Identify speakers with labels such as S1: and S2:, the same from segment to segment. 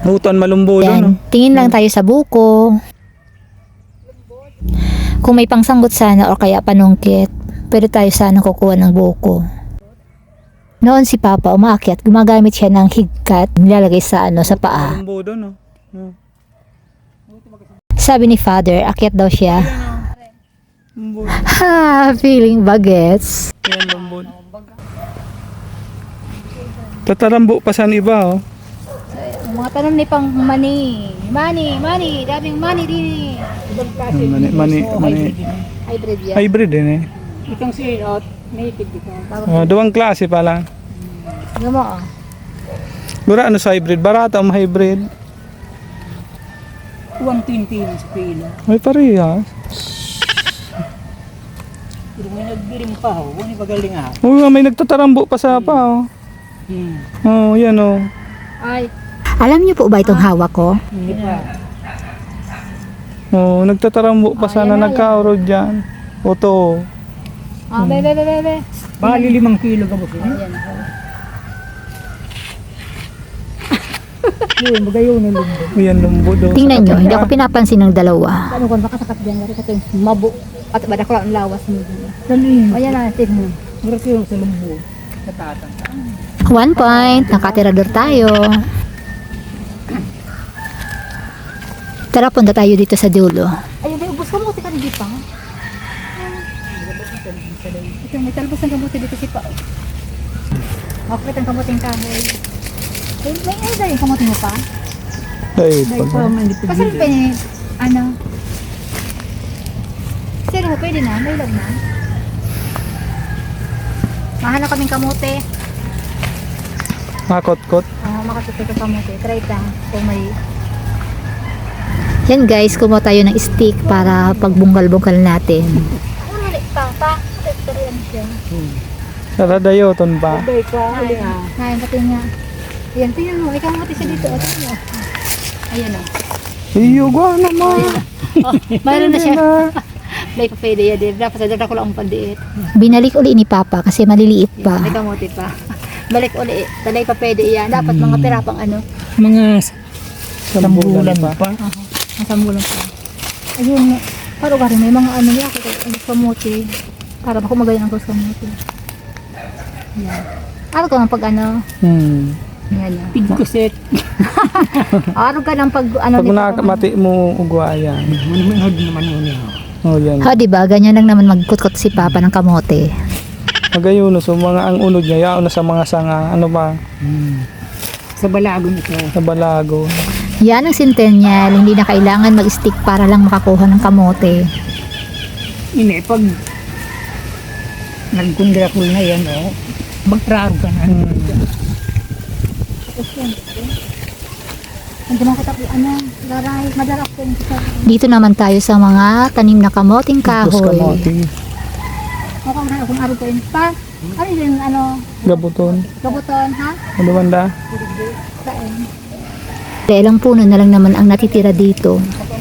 S1: Hutuan malumbo doon.
S2: Tingin lang tayo sa buko. Kung may pangsanggot sana o kaya panungkit, pwede tayo sana kukuha ng buko. Noon si Papa umaakyat, gumagamit siya ng higkat, nilalagay sa sa paa.
S1: Malumbo doon.
S2: Sabi ni Father, akyat daw siya.
S1: Lumbo.
S2: Ha, feeling bagets.
S1: Yan lumbo. Tatarambo pa sa iba, oh.
S2: Mga tanong ni pang mani, daming mani din.
S1: Mani.
S2: Hybrid yan.
S1: Hybrid din eh.
S3: Itong si native dito.
S1: Duwang klase pala.
S2: Ano mo ah?
S1: Gura ano sa hybrid? Barata ang hybrid.
S3: 120 sa pila.
S1: Ay parehas.
S3: Pero may nagbirim pa ho. Huwag pagaling ha.
S1: Oh, may nagtatarambo pa sa pa, oh. Oh, yan oh.
S2: Ay. Alam niyo po ba itong hawak ko?
S3: Hindi pa.
S1: Oh, nagtatarambo pa sana nagkaurod dyan. Oto.
S2: Ah, bebe.
S3: Bali 5 kilo ka ba siya? Uy, magayon ng lumbo.
S1: Yan lumbo do.
S2: Tingnan nyo, hindi ako pinapansin ng dalawa.
S4: Ano kung baka sakat dyan, nari ka ito mabo at bada ko ang lawas mo din.
S3: Kanina.
S4: Ayan natin mo.
S3: Meron yung sa lumbo. Sa tatang.
S2: 1 point, nakatirador tayo. Tara, punta tayo dito sa dulo.
S4: Ayun, may ubos ka mo, tika hindi pa. Ito, may talbos ng kamuti dito si Pao. Makapit ang kamuting kahoy. May ano yung kamuti mo pa?
S1: Ay,
S3: Dahil pa man hindi
S4: Kasi
S3: pagdili.
S4: ano? Sino mo, pwede na? May log na? Mahanap kaming kamuti.
S1: makot-kot.
S4: Makasuti ka kamuti. Try ka kung may...
S2: Yan guys, kumuha tayo ng stick para pagbungkal-bungkal natin.
S4: Ano ulit pa? Ito rin siya.
S1: Tara dayo, ton pa.
S3: Dahil ka, huli ha.
S4: Ngayon, pati nga. Ayan, tingnan mo. Ikaw mati siya dito. Tingnan mo. Ayan o.
S1: Iyo, gwa naman.
S4: Mayroon na siya. May pa pwede yan. Dapat sa dagdag ko lang ang pandiit.
S2: Binalik uli ni Papa kasi maliliit pa.
S4: May kamuti pa. Balik uli. Talay pa pwede yan. Dapat mga pera pang ano.
S3: Mga
S1: Sambulan
S3: pa.
S4: Masambulan pa. Ayun. Para gari may mga ano niya. Ang kamuti. Para bako magayon ang kamuti. Yan. Araw ka ng pag ano. Yan o.
S3: Pigkuset.
S4: Araw ka ng pag ano.
S1: Pag nakamati mo, ugwa yan.
S3: Manumihod naman yun yun.
S1: Oh, yan.
S2: Ha, diba? Ganyan lang naman magkutkot si Papa ng kamote.
S1: Magayuno, so mga ang unod niya, yaon na sa mga sanga, ano ba,
S3: Sa balagon ito.
S1: sa balago.
S2: Yan ang centennial, hindi na kailangan mag-stick para lang makakuha ng kamote.
S3: Ini, pag nagkundrakul na yan, oh, magtraro ka na.
S4: Hindi mo katapos ano. Garay. Madarap ko yung sa.
S2: Dito naman tayo sa mga tanim na kamoting
S1: Tapos
S2: kahoy.
S1: kamote,
S4: Mukhang na akong araw ko yun pa. Ano yun ano.
S1: gabuton,
S4: Gabuton ha?
S1: ano banda?
S4: Kain.
S2: Ilang puno na lang naman ang natitira dito.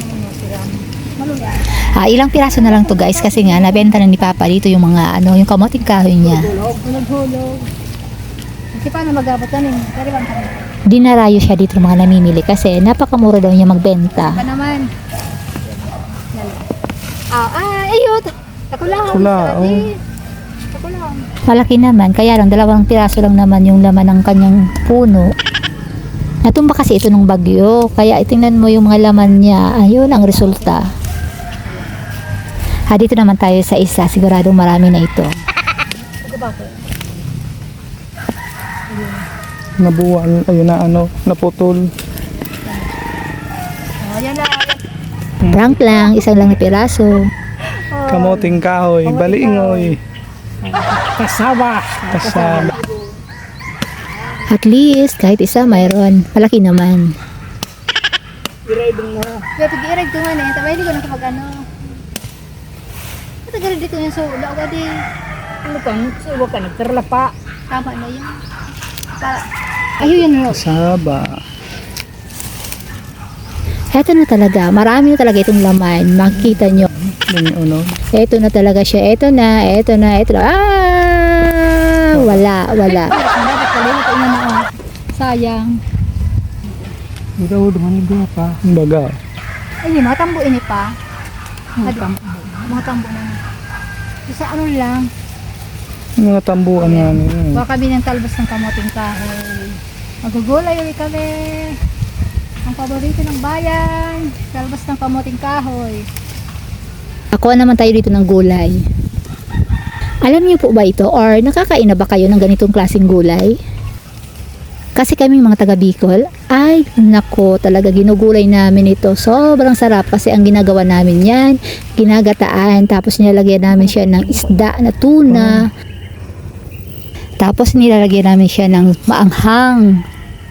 S2: Ilang piraso na lang to guys kasi nga nabenta na ni Papa dito yung mga yung kamoting kahoy niya.
S4: Hulog-hulog. Kasi paano magabutan yun? Pero bang kami?
S2: Dinarayo siya dito ng mga namimili kasi napakamura daw niya magbenta.
S4: Pa naman. Ayun. Ako lang.
S1: Wala, oh.
S4: Ako lang.
S2: Malaki naman, kaya lang 2 piraso lang naman yung laman ng kanyang puno. Natumba kasi ito ng bagyo, kaya itingnan mo yung mga laman niya, ayun ang resulta. Dito naman tayo sa isa, siguradong marami na ito.
S1: Nabuwan, ayun na ano, naputol.
S4: Ayan na.
S2: Prank lang, isang lang na piraso.
S1: Kamoting kahoy, baliingoy,
S3: Kasaba.
S1: kasama.
S2: At least, kahit isa mayroon, malaki naman.
S3: Iradong mo.
S4: Kaya pag-iirag ko nga na. Tabay di ko na kapag ano. Matagal dito yung so. Laga di.
S3: Ano kang, suwa ka, nagtarla pa.
S4: Tama na yun. Ayun yun.
S1: Kasaba.
S2: Eto na talaga, marami na talaga itong laman. Makikita nyo.
S1: Yung ano,
S2: Eto na talaga siya. Eto na. Wala.
S4: Dapat pala ito na. Sayang.
S3: Ikaw naman yung pa.
S1: Baga.
S4: Ay, mga tambo ini pa.
S3: Mga
S4: Mga tambo na. Isa ano lang,
S1: Mga tambuan namin.
S4: baka kami ng talbos ng kamoting kahoy. Magugulay ulit kami. Ang paborito ng bayan, talbos ng kamoting kahoy.
S2: Ako naman tayo dito ng gulay. Alam niyo po ba ito or nakakain na ba kayo ng ganitong klaseng gulay? Kasi kami mga taga Bicol, ay nako talaga ginugulay namin ito. Sobrang sarap kasi ang ginagawa namin yan, ginagataan tapos nilalagyan namin siya ng isda na tuna. Tapos nilalagyan namin siya ng maanghang.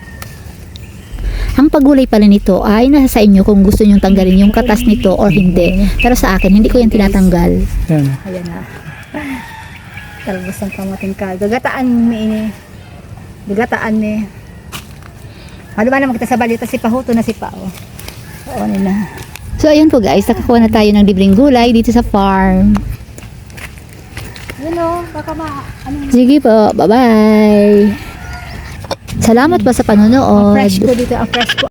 S2: Ang paggulay pala nito ay nasa sa inyo kung gusto nyong tanggalin yung katas nito or hindi. Pero sa akin, hindi ko yan tinatanggal.
S1: Yan.
S4: Ayan na. Talbos ng kamoting kahoy. Gagataan mi ini. Gagataan mi. Ano ba naman kita sa balita si Pahuto na si Pao. Oo nila.
S2: So ayun po guys, nakakuha na tayo ng libreng gulay dito sa farm.
S4: Yun o, baka
S2: Sige po, bye-bye. Salamat po sa
S4: ang
S2: panonood.
S4: fresh ko dito, ang fresh ko.